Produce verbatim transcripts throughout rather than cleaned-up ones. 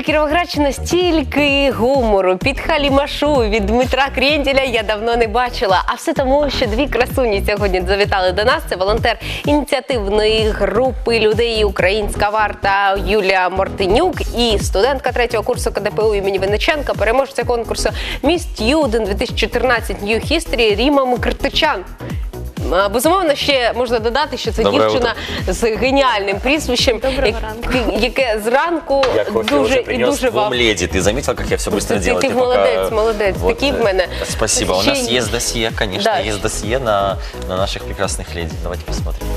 Кіровоградщина стільки гумору, підхалімашу від Дмитра Крєнділя я давно не бачила. А все тому, що дві красуні сьогодні завітали до нас. Це волонтер ініціативної групи людей «Українська варта» Юлія Мартинюк і студентка третього курсу ка де пе у імені Винниченка, переможця конкурсу «Міс Стюдент дві тисячі чотирнадцять New History» Ріма Мкртичан. Безумовно, ще можна додати, що це Доброе дівчина утро. з геніальним прізвищем, яке зранку дуже і дуже вам леді. Ти замітила, як я все швидко роблю? Ти молодець, молодець. Такий в мене. Спасибо. У нас є досьє, звісно, є досьє на наших прекрасних леді. Давайте посмотрим.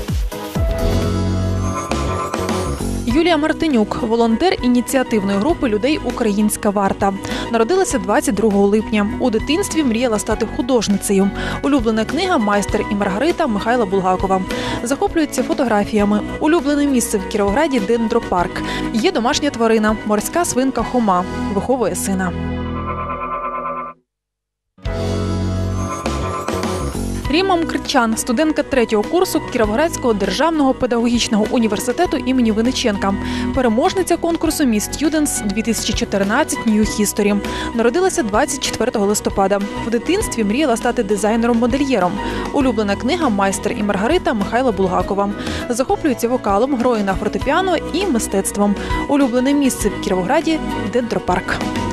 Юлія Мартинюк – волонтер ініціативної групи людей «Українська варта». Народилася двадцять другого липня. У дитинстві мріяла стати художницею. Улюблена книга «Майстер і Маргарита» Михайла Булгакова. Захоплюється фотографіями. Улюблене місце в Кіровограді – дендропарк. Є домашня тварина – морська свинка Хома. Виховує сина. Ріма Мкртичан – студентка третього курсу Кіровоградського державного педагогічного університету імені Винниченка. Переможниця конкурсу «Міс Стюдентс дві тисячі чотирнадцять New History». Народилася двадцять четвертого листопада. В дитинстві мріяла стати дизайнером-модельєром. Улюблена книга «Майстер і Маргарита» Михайла Булгакова. Захоплюється вокалом, грою на фортепіано і мистецтвом. Улюблене місце в Кіровограді – дендропарк.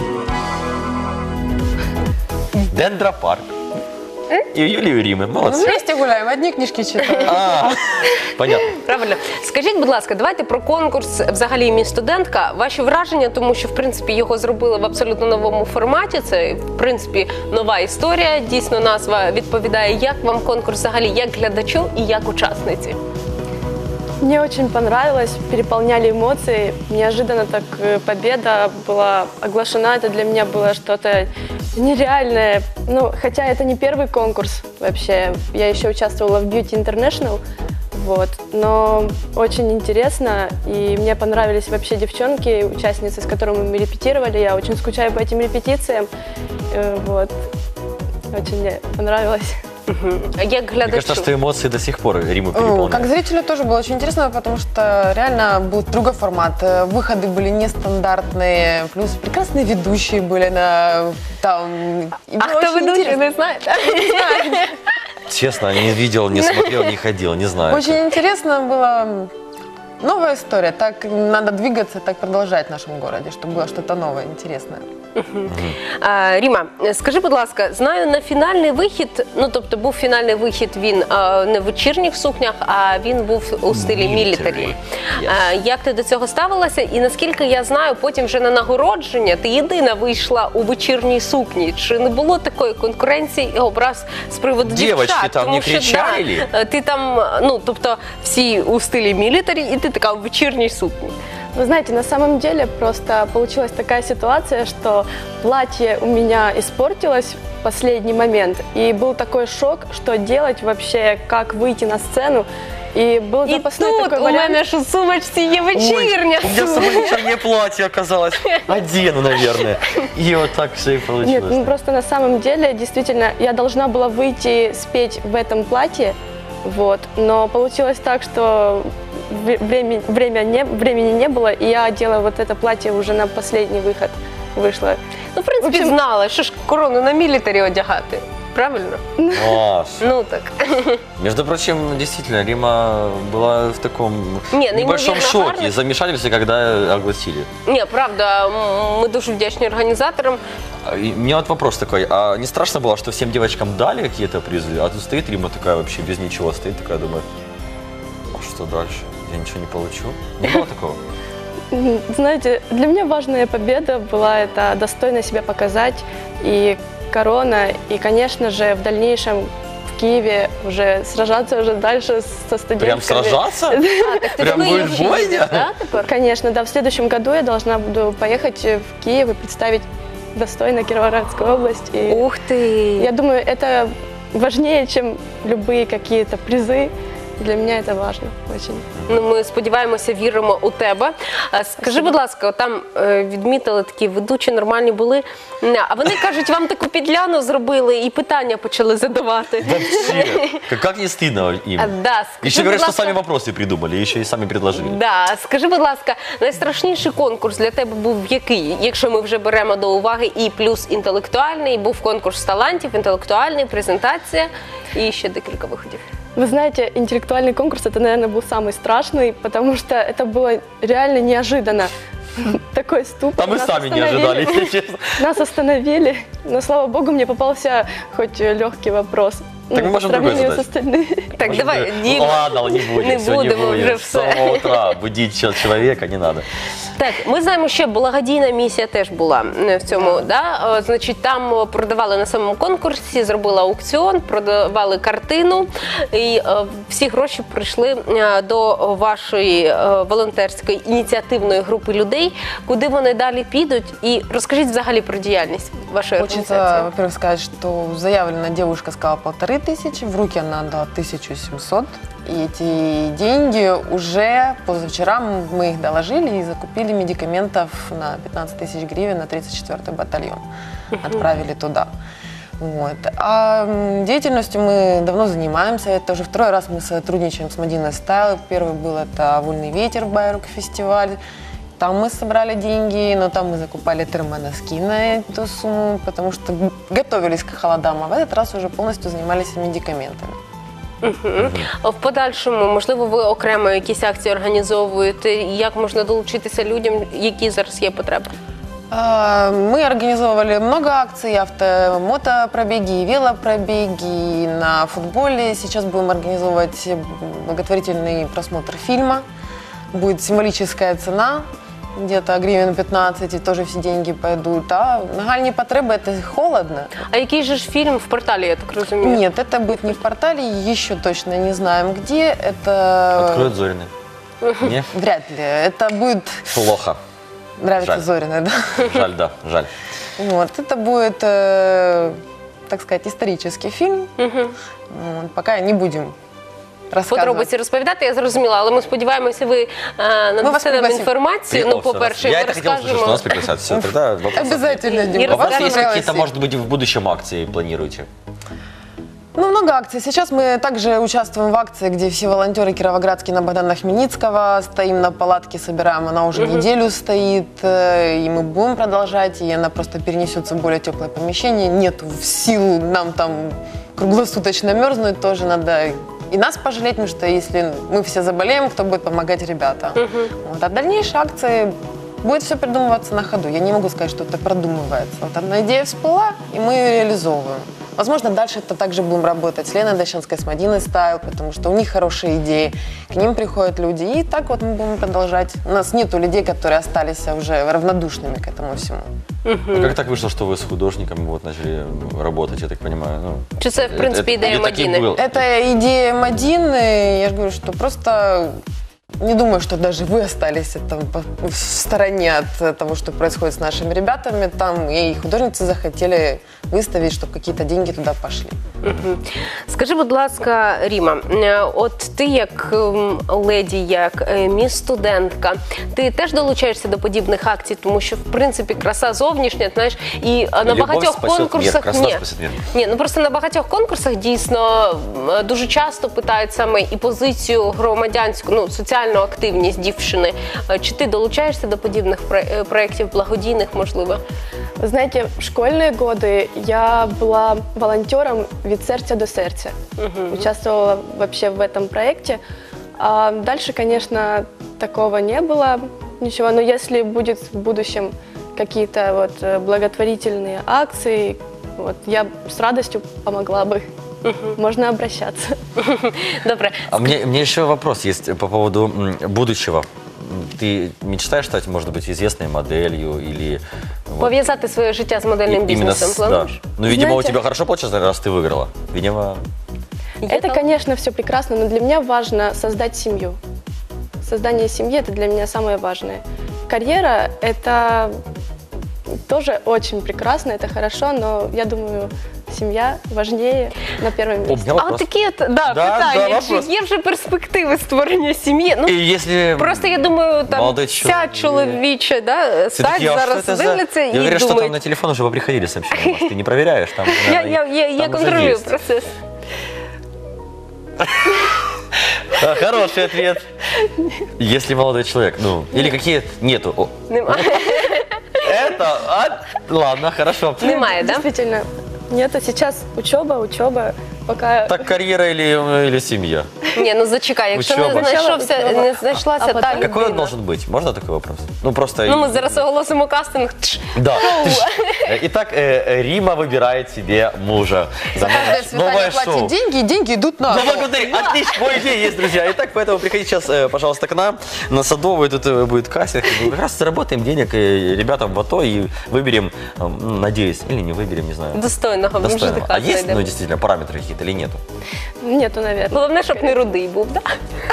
Дендропарк. И Юлию Римы. Молодцы. Вместе гуляем, одни книжки читаем. А, понятно. Правильно. Скажіть, будь ласка, давайте про конкурс взагалі «Міс Студентка». Ваші враження, тому що, в принципі, його зробили в абсолютно новому форматі. Це, в принципі, нова історія. Дійсно, назва відповідає. Як вам конкурс взагалі, як глядачу і як учасниці? Мне очень понравилось, переполняли эмоции. Неожиданно так победа была оглашена. Это для меня было что-то нереальное. Ну, хотя это не первый конкурс вообще. Я еще участвовала в Beauty International. Вот. Но очень интересно. И мне понравились вообще девчонки, участницы, с которыми мы репетировали. Я очень скучаю по этим репетициям. Вот. Очень мне понравилось. А як глядачу? Мне кажется, что эмоции до сих пор Риму переполняют. Как зрителю тоже было очень интересно, потому что реально был другой формат. Выходы были нестандартные, плюс прекрасные ведущие были на там. А кто ведущий, не знаете? Честно, не видел, не смотрел, не ходил, не знаю. Очень интересно было. Новая история. Так надо двигаться, так продолжать в нашем городе, чтобы было что-то новое, интересное. А, Ріма, скажи, будь ласка, знаю, на фінальний вихід, ну, тобто був фінальний вихід, він а, не в вечірніх сукнях, а він був у стилі мілітарі. Yes. Як ти до цього ставилася? І наскільки я знаю, потім вже на нагородження ти єдина вийшла у вечірній сукні. Чи не було такої конкуренції і образ з приводу дівчат? Дівчатки там не кричали? Да, ти там, ну, тобто всі у стилі мілітарі, і ти така в вечірній сукні. Вы знаете, на самом деле просто получилась такая ситуация, что платье у меня испортилось в последний момент. И был такой шок, что делать вообще, как выйти на сцену. И был запасной и тут такой у вариант. меня ж у сумочці є вечірня. Ой, у меня с собой вечернее платье оказалось. Одену, наверное. И вот так все и получилось. Нет, ну просто на самом деле, действительно, я должна была выйти спеть в этом платье. Вот. Но получилось так, что Время, время не, времени не было, и я одела вот это платье уже на последний выход вышла. Ну, в принципі, в общем, знала, що ж корону на мілітарі одягати. Правильно? Маш. Ну так. Между прочим, действительно, Рима была в таком не, небольшом шоке, замешательстве, когда огласили. Не, правда, мы дуже вдячні организаторам. И у меня вот вопрос такой, а не страшно было, что всем девочкам дали какие-то призы, а тут стоит Рима такая вообще без ничего, стоит такая, думает, а что дальше? Я ничего не получу? Не было такого? Знаете, для меня важная победа была это достойно себя показать, и корона, и, конечно же, в дальнейшем в Киеве уже сражаться уже дальше со студентками. Прям сражаться? А, так Прям будет бойня? Да, конечно, да. В следующем году я должна буду поехать в Киев и представить достойно Кировоградскую область. И ух ты! Я думаю, это важнее, чем любые какие-то призы. Для меня это важно очень. Ну, ми сподіваємося, віримо у тебе. А скажи, будь ласка, там е, відмітили такі ведучі, нормальні були. А вони кажуть, вам таку підляну зробили і питання почали задавати. Вообще, как, как не стыдно им. А, да, скажи, Еще говорят, будь что ласка- сами вопросы придумали, еще и сами предложили. Да, скажи, будь ласка, найстрашніший конкурс для тебе був який? Якщо ми вже беремо до уваги і плюс інтелектуальний, був конкурс талантів, інтелектуальний, презентація і ще декілька виходів. Вы знаете, интеллектуальный конкурс, это, наверное, был самый страшный, потому что это было реально неожиданно. Такой ступор. А мы Нас сами не остановили. ожидали, если честно. Нас остановили, но, слава богу, мне попался хоть легкий вопрос. Так мы Ну, можем по сравнению другой с остальными. Так, Может, давай, ну, Дім. ладно, не будем, Не все, не будемо будем. вже С все. самого утра будить чел- человека не надо. Так, ми знаємо, що благодійна місія теж була е, в цьому. Да. Е, Значить, там продавали на самому конкурсі, зробили аукціон, продавали картину, і е, всі гроші прийшли е, до вашої е, волонтерської ініціативної групи людей. Куди вони далі підуть? І розкажіть взагалі про діяльність вашої Хочется, організації. во-первых, сказать, что заявлена девушка сказала полторы тысячи, в руки она дала тысячу семьсот. И эти деньги уже позавчера мы их доложили и закупили медикаментов на пятнадцать тысяч гривен на тридцать четвёртый батальон. Отправили туда. Вот. А м, деятельностью мы давно занимаемся. Это уже второй раз мы сотрудничаем с Мадиной Стайл. Первый был это «Вольный ветер» Байрук фестиваль. Там мы собрали деньги, но там мы закупали термоноски на эту сумму, потому что готовились к холодам, а в этот раз уже полностью занимались медикаментами. В подальшому, можливо, ви окремо якісь акції організовуєте? Як можна долучитися людям, які зараз є потреби? А, Мы организовывали много акций, авто, мотопробеги, велопробеги на футболе. Сейчас будем организовывать благотворительный просмотр фильма. Будет символическая цена, где-то гривен пятнадцать, и тоже все деньги пойдут. А нагальные потребы – это холодно. А який же ж фільм в порталі, я так розумію? Нет, это будет не в портале, еще точно не знаем где. Это Откроют Зорины. Не? вряд ли. Это будет Плохо. нравится Жаль. Зориной, да? Жаль, да, жаль. Вот, это будет, э, так сказать, исторический фильм. Вот, пока не будем рассказывать. Подробиці розповідати, я зрозуміла, але ми сподіваємося, ви е, надасте нам пригласимо. інформацію. Ну, Приехал, по-перше, я ми это хотел услышать, что розкажемо. нас пригласят. Все, тогда вопрос. Обязательно, И Дима. А у вас расскажем есть про какие-то, Пригласим. может быть, в будущем акции планируете? Ну, много акций. Сейчас мы также участвуем в акции, где все волонтеры кировоградские на Богдана Хмельницкого. Стоим на палатке, собираем. Она уже неделю стоит. э, И мы будем продолжать. И она просто перенесется в более теплое помещение. Нет в силу нам там круглосуточно мерзнуть. Тоже надо и нас пожалеть, потому что если мы все заболеем, кто будет помогать ребятам. Вот. А дальнейшие акции будет все придумываться на ходу. Я не могу сказать, что это продумывается. Вот одна идея всплыла, и мы ее реализовываем. Возможно, дальше это также будем работать с Леной Дощанской, с Мадиной Стайл, потому что у них хорошие идеи, к ним приходят люди. И так вот мы будем продолжать. У нас нету людей, которые остались уже равнодушными к этому всему. А как так вышло, что вы с художниками вот начали работать, я так понимаю? Ну, Чи це, в принципі, это- ідея или таки Мадіни? было? Это идея Мадины. Я же говорю, что просто не думаю, что даже вы остались там по- в стороне от того, что происходит с нашими ребятами. Там и художницы захотели выставить, чтобы какие-то деньги туда пошли. Скажи, будь ласка, Ріма, е, от ти як ем, леді, як е, міс-студентка, ти теж долучаєшся до подібних акцій, тому що, в принципі, краса зовнішня, знаєш, і е, на Любов багатьох спасет конкурсах... мир, краса Ні. спасет мир. Ні, ну просто на багатьох конкурсах дійсно е, дуже часто питають саме і позицію громадянську, ну, соціальну активність дівчини. Е, Чи ти долучаєшся до подібних пре- е, проєктів, благодійних, можливо? Вы знаете, в школьные годы я была волонтером «Від сердца до сердца». Участвовала вообще в этом проекте. А дальше, конечно, такого не было ничего. Но если будет в будущем какие-то вот э, благотворительные акции, вот, я с радостью помогла бы. Можно обращаться. Добре. А мне, мне еще вопрос есть по поводу м, будущего. Ты мечтаешь стать, может быть, известной моделью или... вот, Пов'язати своє життя з модельним и- именно бізнесом, с- да. плануєш? Ну, видимо, Знаете- у тебя хорошо получилось, раз ты выиграла. Видимо, Это, конечно, все прекрасно, но для меня важно создать семью. Создание семьи – это для меня самое важное. Карьера – это тоже очень прекрасно, это хорошо, но я думаю, семья важнее на первом месте. Обнял А от вопрос. такі от да, Да, питання, да, чи вопрос. є вже перспективи створення сім'ї? Ну, И если... просто я думаю, там Молодой вся чоловік. чоловіча да, стать Все-таки, а зараз что это за... дивляться Я і говорю, что там думають. на телефон уже поприходили сообщения. Может, ты не проверяешь? Там, Я, наверное, я, я, я там уже контролюю есть. процес. А, Хороший ответ. Если молодой человек, ну, или какие... Нету. О, Немає. это... а, ладно, хорошо. Немає, да? Действительно, нет, а сейчас учеба, учеба, пока... Так карьера или, или семья? Ні, ну зачекай, якщо не Учоба. знайшовся, Учоба. не знайшлася А та потім- Какой он людина. должен быть? Можно такой вопрос? Ну, просто... Ну, ми зараз оголосимо кастинг. Тш. Да. Ты ж- Итак, э, Рима выбирает себе мужа. За каждое свидание Новое платит шоу. деньги, и деньги идут на... Ну, благодарю. Отлично, мой идея есть, друзья. Итак, поэтому приходите сейчас, э, пожалуйста, к нам на Садовую. Тут э, будет кастинг. Мы как раз заработаем денег э, ребятам в АТО и выберем, э, надеюсь, или не выберем, не знаю. Достойного Достойного. мужика А есть, знайдемо. ну, действительно, параметры какие-то или нету? Нету, наверное. Головне, щоб не рудий був, да?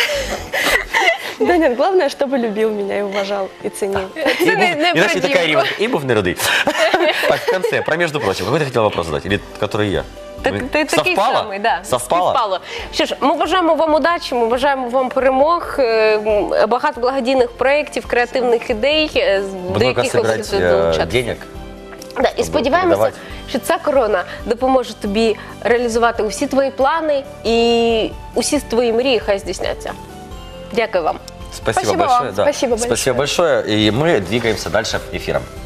Да нет, главное, чтобы любил меня и уважал, и ценил. Це не, не Иначе про такая дівку. Рима. И був не родий. Так, в конце, про между прочим. Какой ты хотел вопрос задать? Или который я? Так, Мы- ти такий Совпало? самий, да. Совпало? Співпало. Що ж, ми бажаємо вам удачі, ми бажаємо вам перемог, е, м, багато благодійних проєктів, креативних ідей, е, з- до Много яких ви собирать будете э, долучатися. денег. Да, і сподіваємося, передавати. що ця корона допоможе тобі реалізувати усі твої плани і усі твої мрії хай здійсняться. Дякую вам. Спасибо, Спасибо большое. вам. да. Спасибо большое. Спасибо большое. И мы двигаемся дальше эфиром.